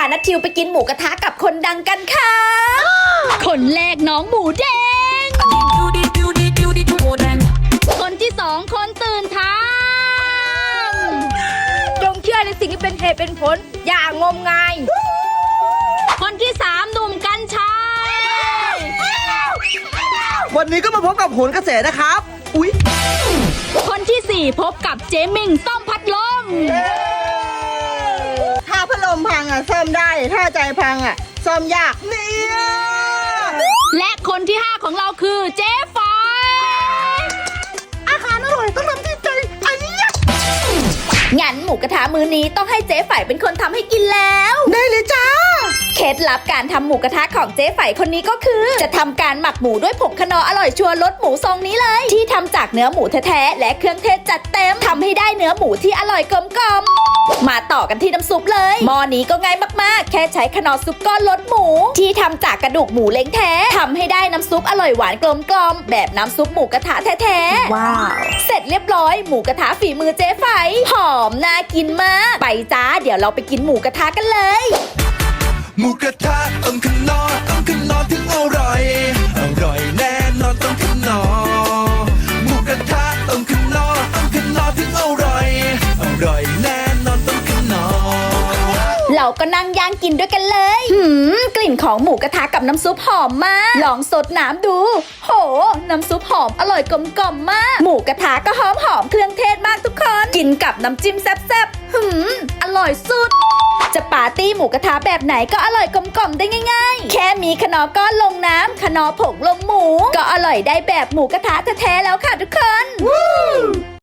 นัททิวไปกินหมูกระทะกับคนดังกันค่ะ คนแรกน้องหมูแดง คนที่สองคนตื่นทำจงเชื่อในสิ่งที่เป็นเหตุเป็นผลอย่างงมงายคนที่สามหนุ่มกัญชัยวันนี้ก็มาพบกับโหนกระแสนะครับ อุ๊ยคนที่สี่พบกับเจมิงซ่อมพัดลมถ้าพัดลมพังอ่ะซ่อมได้ ถ้าใจพังอ่ะซ่อมยากเนี่ยและคนที่ห้าของเราคือเจ๊ฝอยอาหารอร่อยต้องทำที่ใจอันนี้งั้นหมูกระทะมื้อนี้ต้องให้เจ๊ไฝเป็นคนทำให้กินแล้วได้เลยจ้าเคล็ดลับการทำหมูกระทะของเจ๊ไฝคนนี้ก็คือ จะทำการหมักหมูด้วยผงคนอร์อร่อยชัวร์รสหมูทรงนี้เลย ที่ทำจากเนื้อหมูแท้ๆและเครื่องเทศจัดเต็มทำให้ได้เนื้อหมูที่อร่อยกลมๆมาต่อกันที่น้ำซุปเลยหม้อนี้ก็ง่ายมากๆแค่ใช้คนอร์ซุปก้อนรสหมู ที่ทำจากกระดูกหมูเล้งแท้ทำให้ได้น้ำซุปอร่อยหวานกลมๆแบบน้ำซุปหมูกระทะแท้ๆว้าวเสร็จเรียบร้อยหมูกระทะฝีมือเจ๊ไฝหอมน่ากินมากไปจ้าเดี๋ยวเราไปกินหมูกระทะกันเลยหมูกระทะต้องขนอถึงอร่อย อร่อยแน่นอนต้องขนอหมูกระทะต้องขนอถึงอร่อย อร่อยแน่นอนต้องขนอเราก็นั่งย่างกินด้วยกันเลยกลิ่นของหมูกระทะกับน้ำซุปหอมมากลองสดน้ำดูโหน้ำซุปหอมอร่อยกลมๆมากหมูกระทะก็หอมเครื่องเทศมากทุกคนกินกับน้ำจิ้มแซ่บๆอร่อยสุดจะปาร์ตี้หมูกระทะแบบไหนก็อร่อยกลมๆได้ง่ายๆแค่มีคนอก้อนลงน้ำคนอผงลงหมูก็อร่อยได้แบบหมูกระทะแท้ๆแล้วค่ะทุกคน